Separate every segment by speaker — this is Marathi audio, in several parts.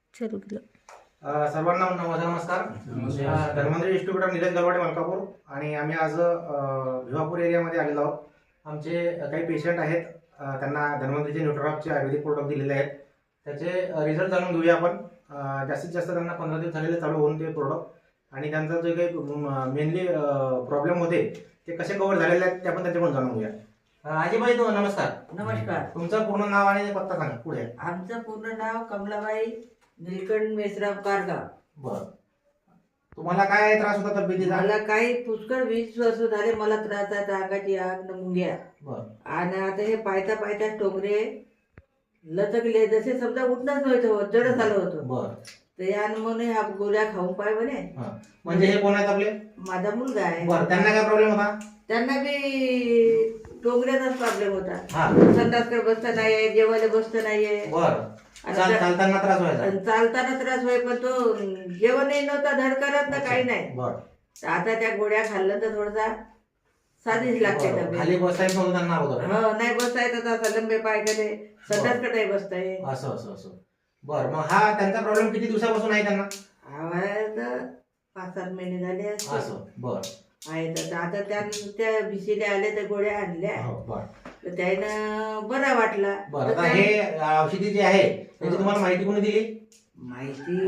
Speaker 1: चालू केलं.
Speaker 2: सर्वांना नमस्कार. धन्वंतरी डिस्ट्रीब्युटर निलेश गलवाडे मलकापूर आणि आम्ही आज भिवापूर एरियामध्ये आलेलो आहोत. आमचे काही पेशंट आहेत, त्यांना धन्वंतरीचे न्यूट्रॉपचे आयुर्वेदिक प्रोडक्ट दिलेले आहेत. त्याचे रिझल्ट जाणून घेऊया आपण. जास्तीत जास्त त्यांना 15 दिवस झालेले चालू होऊन ते प्रोडक्ट आणि त्यांचा जे काही मेनली प्रॉब्लेम होते ते कसे कव्हर झालेले आहेत ते आपण त्यांच्याकडून जाणून घेऊया. आजीबाई नमस्कार.
Speaker 3: नमस्कार.
Speaker 2: तुमचं पूर्ण नाव आणि पत्ता सांगा पुढे.
Speaker 3: आमचं पूर्ण नाव कमलाबाई निलकंठ मेसराम कारगाव.
Speaker 2: बरं, तुम्हाला काय त्रास होता तब्येतीचा?
Speaker 3: मला काही पुष्कळ 20 वर्ष झाले मला त्रास आहे, अंगाची आग न मुंग्या.
Speaker 2: बरं.
Speaker 3: आणि आता हे पायता पायता टोंगरे लचकले, जसे समजा उठणंच नव्हतं, जडच आलं होतं.
Speaker 2: बरं.
Speaker 3: तर यानं म्हणे हा गोळ्या खाऊन पाय म्हणे.
Speaker 2: म्हणजे हे कोण आहेत आपले?
Speaker 3: माझा मुलगा आहे.
Speaker 2: बरं, त्यांना काय प्रॉब्लेम होता?
Speaker 3: त्यांना बी टोंगऱ्याचाच प्रॉब्लेम होता.
Speaker 2: हा.
Speaker 3: संडासकडे बसता नाहीये, जेवायला बसता नाहीये.
Speaker 2: बरं. चालताना त्रास व्हायचा?
Speaker 3: आणि चालताना त्रास व्हाय, पण तो जेवणही नव्हता, धड करत ना काही नाही.
Speaker 2: बरं.
Speaker 3: तर आता त्या गोळ्या खाल्लं तर थोडासा साधीच लागते
Speaker 2: बरं.
Speaker 3: तब्येत.
Speaker 2: खाली बसायचं नव्हतं त्यांना अगोदर?
Speaker 3: हो, नाही बसता येत आता, लंबे पाय केले, संडासकडे नाही बसता येत.
Speaker 2: असं असं असं. बरं, मग हा त्यांचा प्रॉब्लेम किती दिवसापासून आहे त्यांना?
Speaker 3: तर 5-7 महिने झाले असतील.
Speaker 2: असं. बरं.
Speaker 3: आहे तर आता त्या भिशीला आल्या तर गोळ्या आणल्या,
Speaker 2: हो, बरं.
Speaker 3: तर त्यानं बरा वाटला.
Speaker 2: बरं,
Speaker 3: तर
Speaker 2: आता
Speaker 3: त्या-
Speaker 2: हे औषधी जे आहे त्याची तुम्हाला माहिती कोणी दिली?
Speaker 3: माहिती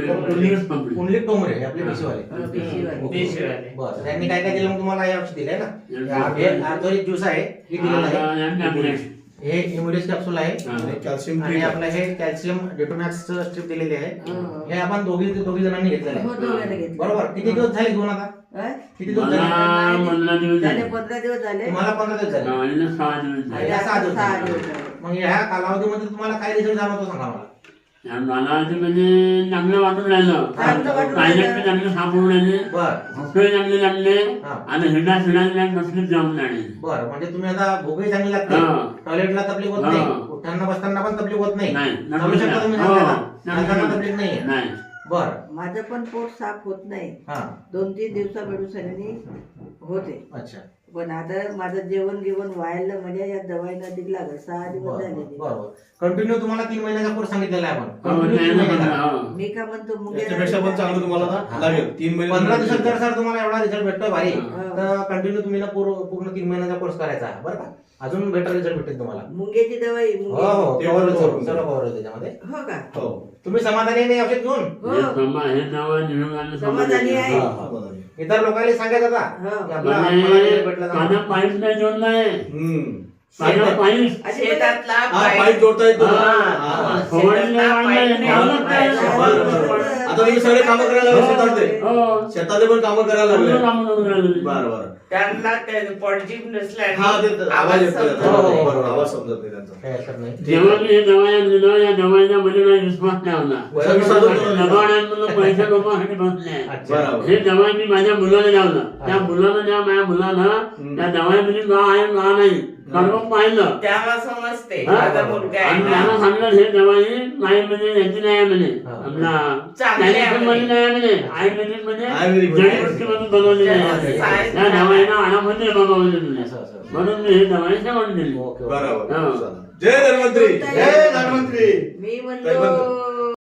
Speaker 2: कुंडलिक टोमरे आपले भिशीवाले.
Speaker 3: भिशीवाले.
Speaker 2: बरं, त्यांनी काय काय दिलं मग तुम्हाला? हे औषध दिलंय ना, हे आर्थोरिक ज्यूस आहे, हे दिलेलं आहे. हे इम्युनिस कॅप्सूल आहे आणि आपलं हे कॅल्शियम डेटोमॅक्स स्ट्रिप दिलेली आहे. हे आपण दोघी जणांनी घेतलेलं
Speaker 3: हो,
Speaker 2: आहे.
Speaker 3: दोघांना घेतलं.
Speaker 2: बरोबर. किती दिवस झाले घेऊन आता?
Speaker 3: काय?
Speaker 2: किती दिवस झाले?
Speaker 3: झाले 15 दिवस झाले.
Speaker 2: तुम्हाला 15 दिवस झाले
Speaker 3: आणि
Speaker 2: आणि
Speaker 3: आता
Speaker 2: 6 दिवस
Speaker 3: 6
Speaker 2: झाले.
Speaker 3: दिवस झाले.
Speaker 2: मग ह्या कालावधीमध्ये तुम्हाला काय रिझल्ट जाणवतो सांगा मला.
Speaker 4: मला ते म्हणजे चांगलं वाटून राहिलं.
Speaker 3: चांगलं वाटून
Speaker 4: पाहिजे
Speaker 3: राहिलं.
Speaker 4: चांगले सापडून राहिले,
Speaker 2: बरं.
Speaker 4: भुके चांगले लागले
Speaker 2: हा.
Speaker 4: आणि हिंडा नसलीच जाऊन राहिले.
Speaker 2: बरं, म्हणजे तुम्ही आता भूकही चांगली लागते,
Speaker 4: हा.
Speaker 2: टॉयलेटला तकलीफ होत
Speaker 4: हा.
Speaker 2: नाही, उठताना बसताना पण तकलीफ होत नाही,
Speaker 4: नाही.
Speaker 2: चालू शकता तुम्ही
Speaker 4: हो.
Speaker 2: चालताना, चालताना तकलीफ नाहीये.
Speaker 4: नाही.
Speaker 2: बरं.
Speaker 3: माझं पण पोट साफ होत नाही,
Speaker 2: हा.
Speaker 3: 2-3 दिवसा मेडिसिननी होते.
Speaker 2: अच्छा.
Speaker 3: पण आता माझं जेवण व्हायला म्हणजे या दवाईनं दिला 6 दिवस झाले.
Speaker 2: बरोबर. कंटिन्यू तुम्हाला 3 महिन्याचा कोर्स सांगितलेला आहे आपण.
Speaker 4: हो,
Speaker 2: Continue
Speaker 4: नाही
Speaker 2: 3
Speaker 4: ना,
Speaker 2: महिने करा.
Speaker 4: हो.
Speaker 3: मी का म्हणतो
Speaker 5: याच्यापेक्षा पण चांगलं तुम्हाला
Speaker 2: हा.
Speaker 5: लागेल. 3 महिने
Speaker 2: 15 दिवसात जर सर तुम्हाला एवढा रिझल्ट भेटतोय भारी,
Speaker 3: हा.
Speaker 2: तर कंटिन्यू तुम्ही ना पूर्ण 3 महिन्याचा कोर्स करायचा आहे, बरं का? अजून बेटर रिझल्ट भेटेल तुम्हाला.
Speaker 3: मुंग्याची दवाई
Speaker 2: हो
Speaker 3: मुंगे.
Speaker 2: हो,
Speaker 5: ते
Speaker 2: cover
Speaker 5: पण
Speaker 2: होईल,
Speaker 5: cover
Speaker 2: सर्व cover होईल त्याच्यामध्ये.
Speaker 3: हो का?
Speaker 5: हो.
Speaker 2: तुम्ही समाधानी नाही औषध घेऊन?
Speaker 3: हो.
Speaker 4: हे नाव निरोगाने
Speaker 3: समाधानी आहे.
Speaker 2: हा, हा. इतर लोकांनी सांगायचं आता
Speaker 3: हो.
Speaker 2: की आपला आम्हाला result भेटला
Speaker 4: काना
Speaker 2: जाणार.
Speaker 4: पाईप नाही जोडलाय.
Speaker 5: हम्म.
Speaker 4: काना पाईप
Speaker 3: अशी
Speaker 6: शेतातला
Speaker 5: हा, पाईप जोडता येतो.
Speaker 4: हा.
Speaker 5: हा.
Speaker 4: फवारणी नाही वाढलाय.
Speaker 6: शेतातला पाईप
Speaker 4: लावलं
Speaker 5: बरं,
Speaker 4: काय?
Speaker 5: बरं. आता तुम्ही सगळे कामं करायला लागले शेतातले.
Speaker 4: हो.
Speaker 5: शेतातले पण कामं करायला लागले.
Speaker 4: चांगलं काम करून राहिले.
Speaker 5: बरं बरं.
Speaker 6: त्यांना पॉझिटिव्ह
Speaker 5: हा,
Speaker 6: नसल्याने
Speaker 5: ते आवाज येतो.
Speaker 6: समजत
Speaker 5: हो, हो,
Speaker 6: नाही.
Speaker 5: बरोबर. आवाज समजत नाही त्यांचा.
Speaker 2: काय हरकत नाही.
Speaker 4: जेव्हा मी हे दवाया दिलं, या दवाईच्या मध्ये काही विश्वास नाही होता. दवाड्यांमधून पैसे लोकांसाठी बसले.
Speaker 2: अच्छा.
Speaker 5: बरोबर.
Speaker 4: हे दवाई मी माझ्या मुलाला लावलं. त्या मुलाला ज्या माझ्या मुलाला त्या दवाईमध्ये गा आहे गा नाही सर्व पाहिलं.
Speaker 6: त्याला समजते
Speaker 4: हा?
Speaker 6: माझा मुलगा
Speaker 4: आणि
Speaker 6: आहे
Speaker 4: त्याला
Speaker 6: ना.
Speaker 4: सांगितलं हे दवाई नाही म्हणजे याची नाही आहे म्हणे.
Speaker 2: हा.
Speaker 4: आपला
Speaker 6: चांगली आहे
Speaker 4: कॅल्शियम
Speaker 6: म्हणे.
Speaker 4: मध्ये नाही आहे म्हणे. आयुर्वेदिक मध्ये
Speaker 5: आयुर्वेदिक मध्ये.
Speaker 4: जडीबुटीमधून बनवलेली आहे.
Speaker 6: सायन्स
Speaker 4: त्या दवाईनं आणामध्ये बनवलेली आहे.
Speaker 2: असं असं.
Speaker 4: म्हणून मी हे दवाई सेवन दिली.
Speaker 2: Okay, okay.
Speaker 5: बरोबर.
Speaker 4: हो.
Speaker 5: चला. जय धन्वंतरी.
Speaker 3: जय
Speaker 5: धन्वंतरी.
Speaker 3: मी
Speaker 5: काय म्हणतो?
Speaker 3: म्हणलो